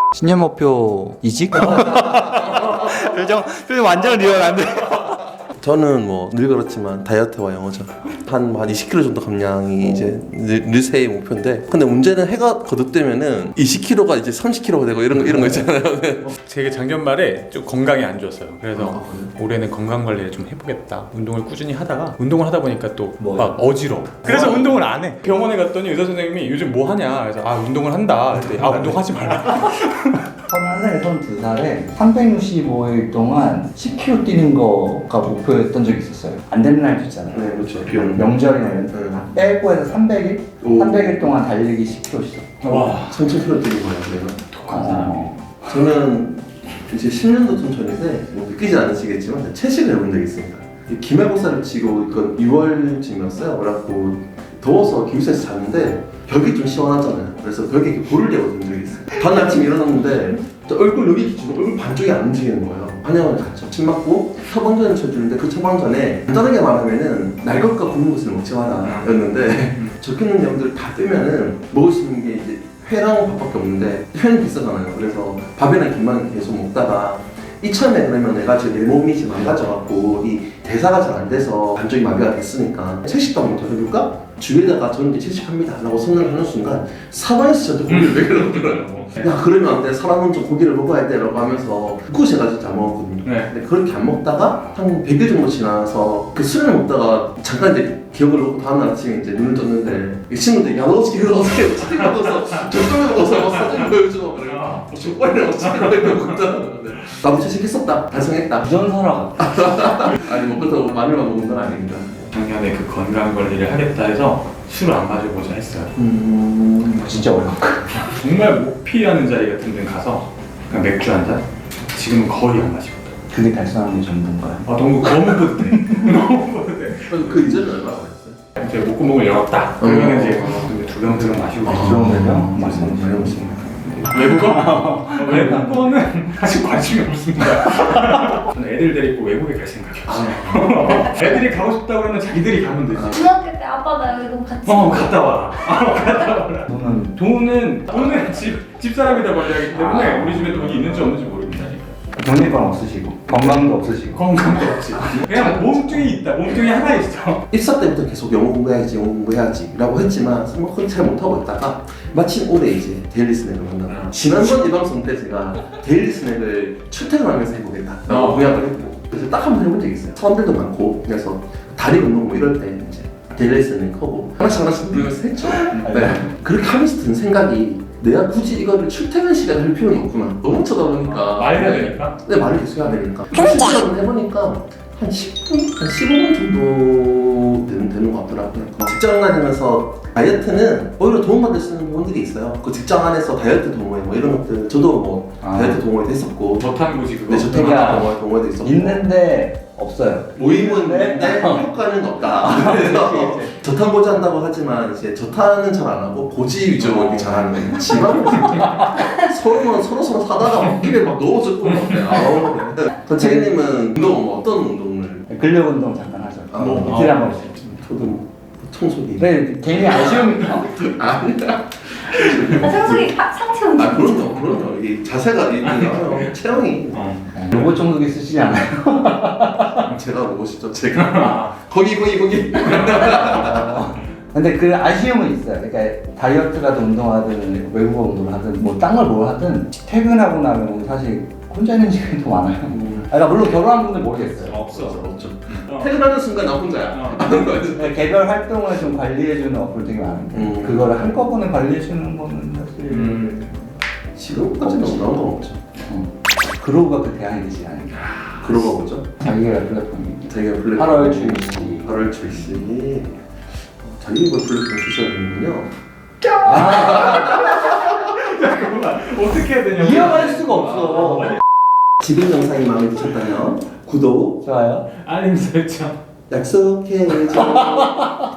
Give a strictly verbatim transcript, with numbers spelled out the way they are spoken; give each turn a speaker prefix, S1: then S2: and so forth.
S1: 신년 목표 이직? 표정 표정 완전 리얼한데.
S2: 저는 뭐 늘 그렇지만 다이어트와 영어죠. 한, 한 이십 킬로그램 정도 감량이 이제 늘, 늘 새해 목표인데, 근데 문제는 해가 거듭되면은 이십 킬로그램가 이제 삼십 킬로그램가 되고 이런 거 이런 거 있잖아요.
S3: 제가 작년 말에 좀 건강이 안 좋았어요. 그래서 올해는 건강 관리를 좀 해보겠다. 운동을 꾸준히 하다가 운동을 하다 보니까 또 막 어지러워. 그래서 운동을 안 해. 병원에 갔더니 의사 선생님이 요즘 뭐 하냐. 그래서 아 운동을 한다. 그랬더니 아 운동하지 말라.
S4: 서른한 살에 서른두 살에 삼백육십오 일 동안 십 킬로그램 뛰는 거가 목표였던 적이 있었어요. 안 되는 날도 있잖아요.
S2: 네, 그렇죠. 비용.
S4: 명절이나 이런 때
S2: 네.
S4: 빼고 해서 삼백 일?
S2: 오.
S4: 삼백 일 동안 달리기 십 킬로그램씩.
S3: 와
S2: 삼천 킬로그램 뛰는 거예요, 내가.
S3: 독한 사람이.
S2: 저는 이제 십 년도 좀 전인데 뭐 느끼지 않으시겠지만 채식을 해본 적이 있습니다. 이 기말고사를 치고 이건 유월쯤이었어요. 그래갖고 더워서 기숙사에서 잤는데 벽이 좀 시원하잖아요. 그래서 벽에 이렇게 볼을 내고 든 적이 있어요. 다음 아침에 일어났는데 저 얼굴 여기 기준 얼굴 반쪽이 안 움직이는 거예요. 한약을 갔죠. 침 맞고 처방전을 쳐주는데 그 처방전에 간단하게 말하면은 날 것과 굶은 것을 먹지 마라 였는데 적혀있는 내용들을 다 뜨면은 먹을 수 있는 게 이제 회랑 밥밖에 없는데 회는 비싸잖아요. 그래서 밥이랑 김만 계속 먹다가 이참에 그러면 내가 지금 내 몸이 지금 망가져갖고 이 대사가 잘 안 돼서 반쪽이 마비가 됐으니까 채식도 한번 더 해볼까? 주위에다가 저는 이제 채식합니다 라고 선언을 하는 순간 사방에서 저한테 고기를 먹이려고 들어요. 야 그러면 안 돼. 사람은 좀 고기를 먹어야 돼 라고 하면서 그거 제가 진짜 안 먹었거든요.
S3: 네.
S2: 근데 그렇게 안 먹다가 한 백 일 정도 지나서 그 술을 먹다가 잠깐 이제 기억을 놓고 다음날 아침에 이제 눈을 떴는데 이 친구들이 야 너 어떻게 이거 어떻게 치킨 먹어서 족발 먹어서 사진 보여줘. 그래. 족발이랑 치킨을 먹었다는 나도 채식했었다. 달성했다.
S4: 부전설화
S2: 아니 뭐 그렇다고 마늘만 먹은 건 아닙니다.
S3: 작년에 그 건강 관리를 하겠다 해서 술을 안 마셔보자 했어요.
S2: 음...
S4: 진짜 어려워.
S3: 정말 모피라는 자리 같은 데 가서 그냥 맥주 한 잔? 지금은 거의 안 마시거든.
S4: 그게 달성하는 게 전부인가요?
S3: 아 너무 너무 뿌듯해. 너무 뿌듯해.
S2: 그 이전에 얼마나 했어요?
S3: 이제 목구멍을 열었다. 그러면 이제 두병 두병 마시고
S2: 아,
S3: 있죠.
S4: 그런 거죠?
S2: 음,
S4: 맞습니다.
S2: 많이 먹습니다.
S3: 외국어? 외국어는 사실 관심이 없습니다. 저는 애들 데리고 외국에 갈 생각이었어요. 애들이 가고 싶다고 하면 자기들이 가면 되지.
S5: 중학교 때 아빠 나 여기 너무 같이
S3: 어 갔다 와라. 어, 갔다 와라.
S4: 저는
S3: 돈은 돈은 집 집사람이 다 관리하기 때문에
S4: 아.
S3: 우리 집에 돈이 있는지 없는지 모릅니다.
S4: 독립감 없으시고 건강도 없으시고
S3: 건강도 없지. 그냥 몸뚱이 있다. 몸뚱이 하나 있어.
S2: 입사 때부터 계속 영어 공부해야지 영어 공부해야지 라고 했지만 뭐 그건 잘 못하고 있다가 마침 올해 이제 데일리 스낵을 만나고 지난번 이 방송 때 제가 데일리 스낵을 출퇴근하면서 해보겠다 라고
S3: 어.
S2: 공약을 했고 그래서 딱 한 번 해본 적이 있어요. 사람들도 많고 그래서 다리 운동 뭐 이럴 때 이제 데일리 스낵 하고 하나씩 하나씩 누르면서 했죠. 네. 그렇게 하면서 든 생각이 내가 굳이 이거를 출퇴근 시간에 할 필요는 없구나. 너무 쳐다보니까
S3: 말해야 되니까.
S2: 네, 말을 계속 해야 되니까. 실제로 해보니까 한 십 분? 한 십오 분 정도 되는, 되는 것 같더라고요. 직장 다니면서 다이어트는 오히려 도움받을 수 있는 부분들이 있어요. 그 직장 안에서 다이어트 동호회 뭐 이런 것들 저도 뭐
S4: 아.
S2: 다이어트 동호회도 했었고
S3: 저탄고지 그거.
S2: 네, 저택 동호회, 동호회도 있었고
S4: 있는데 없어요.
S2: 모임은 있는데 효과는 없다. 그래서 저탄고지 한다고 하지만 이제 저탄은 잘 안 하고 고지 위주로 이렇게 잘하는 거예요. 지방은 서로 서로 서로 사다가 막 입에 막 넣어줬고 막 그래. 아우. 그 책임님은 운동 뭐 어떤 운동을?
S4: 근력 운동 잠깐 하죠.
S2: 아,
S4: 뭐
S2: 아.
S4: 이틀에 한 번씩.
S2: 저도 뭐 청소기.
S4: 네, 괜히 아쉬움이
S2: 아니다.
S5: 아, 청소기 하- 상체 운동
S2: 아 그럼요, 그럼요. 이게 자세가 있는 체형이
S3: 어.
S4: 로봇 청소기 쓰시지 않아요?
S2: 제가 로봇이죠. 제가 거기 거기 거기.
S4: 근데 그 아쉬움은 있어요. 그러니까 다이어트라든 운동하든 외국어 운동을 하든 뭐 딴 걸 뭘 하든 퇴근하고 나면 사실 혼자 있는 시간이 더 많아요. 아, 그러니까 물론 결혼한 분들 모르겠어요.
S3: 없어.
S2: 없죠.
S3: 어.
S2: 퇴근하는 순간 나 혼자야.
S3: 어.
S4: 그러니까 개별 활동을 좀 관리해주는 어플 되게 많은데
S2: 음.
S4: 그거를 한꺼번에 관리해주는 거는 사실
S3: 음.
S2: 지금까지는 나온 건 없죠.
S4: 어. 그로우가 그 대안이 되지 않을까.
S2: 그러고 보죠.
S4: 자기가 플랫폼이
S2: 자기가 플랫폼
S4: 팔월 출시.
S2: 팔월 출시. 자기가 플랫폼 출시하는군요.
S3: 잠깐만 어떻게 해야 되냐?
S4: 이어갈 수가 없어.
S2: 지금 영상이 마음에 드셨다면 구독,
S4: 좋아요.
S3: 알림 설정.
S2: 약속해줘.